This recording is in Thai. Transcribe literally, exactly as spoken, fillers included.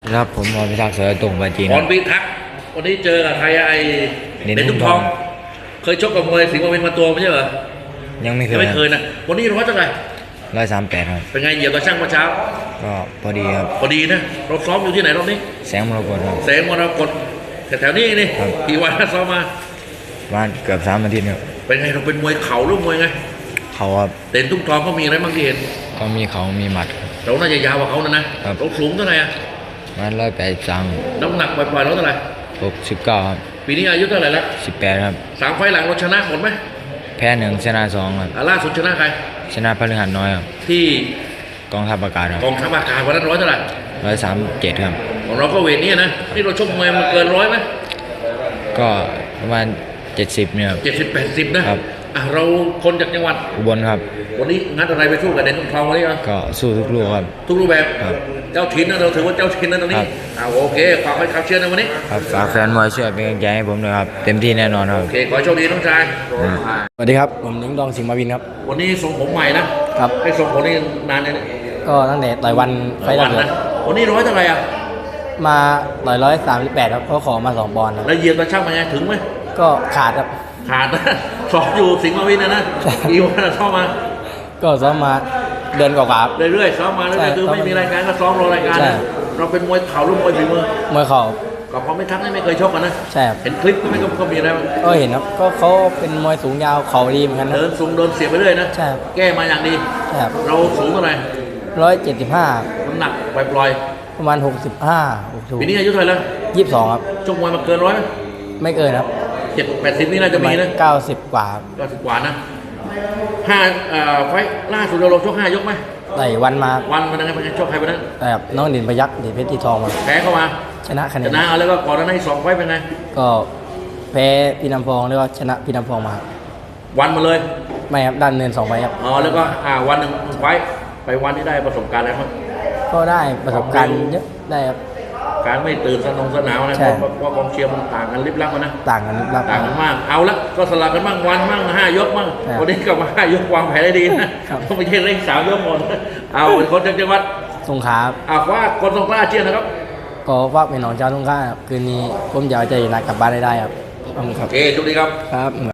ครับผมพรพิทักษ์เสือตรงปาจีนพรพิทักษ์วันนี้เจอกับใครไอ้เด่นเด่นทุ่ทุ่งงททออง ง เคยชกกับมวยสิงห์มาเป็นมาตัวไม่ใช่เหรอยังไม่เคยัยงไม่เคยนะวันนี้ร้อยเท่าไหร่ร้อยสามแปดครับเป็นไงเหยียบตะช่างเมื่อเช้าก็พอดีครับพอดีนะเราซ้อมอยู่ที่ไหนรอบนี้แสงมรกตครับแสงมรกตแถวๆนี้นี่ครับกี่วันแล้วซ้อมมาบ้านเกือบสามอาทิตย์ครับเป็นไงเราเป็นมวยเข่าหรือมวยไงเขาครับเด่นทุ่งทองเขามีอะไรบ้างที่เห็นก็มีเขามีหมัดครับเราน่าจะยาวกว่าเขานะนะครับ เราสูงเท่าไหร่อะบ้านร้อยแปดสามน้ำหนักปล่อยๆเราเท่าไหร่หกสิบเก้าครับปีนี้อายุเท่าไหร่แล้วสิบแปดครับสามไฟล์หลังเราชนะหมดไหมแพ้หนึ่งชนะสองครับอ่าล่าสุดชนะใครชนะพฤหัสน้อยครับที่กองทัพอากาศครับกองทัพอากาศวันนั้นร้อยเท่าไหร่ร้อยสามเจ็ดครับของเราก็เวทนี้นะนี่เราชกมวยมันเกินร้อยไหมก็ประมาณเจ็ดสิบเนี่ยครับเจ็ดสิบแปดสิบนะครับ อ่ะเราคนจากจังหวัดอุบลครับวันนี้งัดอะไรไปสู้กับเด่นทุ่งทองวันนี้อ่ะก็สู้ทุกลูกครับทุกรูปแบบครับเจ้าถิ่นนะเราถือว่าเจ้าถิ่นนะตรงคนี้รับอ่าโอเคฝากไว้ขับเชียร์ในวันนี้ครับฝากแฟนมวยช่วยเป็นกำลังใจให้ผมด้วยครับเต็มที่แน่นอนครับโอเคขอให้โชคดีน้องชายสวัสดีครับผมนิ้งดองสิงห์มาวินครับวันนี้ทรงผมใหม่นะครับ ให้ทรงผมนี่นานเลยนะก็ตั้งแต่ต่อยวันไฟล์วัล่าน สุดนะวันนี้ร้อยเท่าไหร่อ่ะมาต่อยร้อยสามสิบแปดครับเขาขอมาสองปอนด์ครับแล้วเหยียบตะช่างมาไงถึงไหมก็ขาดครับขาดนะ สอบอยู่สิงห์มาวินนะนะกี่วันอะซ้อมมาก็ซ้อมมาเดือนกว่าๆครับเรื่อยๆซ้อมมาเรื่อยๆคือใช่ไม่มีรายการก็ซ้อมรอรายการใช่นะเราเป็นมวยเข่าหรือมวยฝีมือมวยเข่ากับพอไม่ทักนี่ไม่เคยชกกันนะใช่ครับเห็นคลิปก็ไม่ก็ก็มีอะไรบ้างก็เห็นครับก็เขาเป็นมวยสูงยาวเข่าดีเหมือนกันนะเดินสูงเดินเสียบไปเรื่อยนะใช่ครับแก้มาอย่างดีใช่ครับเราสูงเท่าไหร่ร้อยเจ็ดสิบห้าน้ำหนักปล่อยประมาณหกสิบห้าหกสิบๆปีนี้อายุเท่าไหร่แล้วยี่สิบสองครับชกมวยมาเกินร้อยไหมไม่เกินครับเจ็ดแปดสิบนี่น่าจะมีนะเก้าสิบกว่าครับก็สิบกว่านะห้าเอ่อไฟล์ล่าสุดเราลงชกห้ายกไหมต่อยวันมาวันมันยังไงเป็นไงชกใครวันนั้นแต่กับน้องดินพยักดินเพชรที่ทองมาแพ้เข้ามาชนะคะแนชนนะเอาแล้วก็ก่อนหน้านั้นอีกสองไฟล์เป็นไงก็แพ้พี่น้ำพองแล้วก็ชนะพี่น้ำพองมาครับวันมาเลยไม่ครับด้านเนินสองไฟครับอ๋อแล้วก็อ่าวันหนึ่งไฟล์ไปวันที่ได้ประสบการณ์อะไรบ้างก็ได้ประสบการณ์เยอะได้ครับการไม่ตื่นสนองสนาวนะใช่เพราะเพราะกองเชียร์มันต่างกันลิบลับกันนะต่างกันรับต่างกันมาก เอาละก็สลับกันบ้างวันบ้างห้ายกบ้างครับวันนี้ก็มาห้ายกวางแผนได้ดีนะครับ ต้องไปเช่นเร่งสามยกหมดเอาเป็นคนจากจังหวัดสงขลาครับเอาว่าคนสงขลาเชียร์นะครับก็ฝากเป็นน้องเจ้าสงขลาครับคืนนี้ผมอยากจะอยู่นัดกลับบ้านได้ได้ครับขอบคุณคโอรับเคจุดดีครับครับ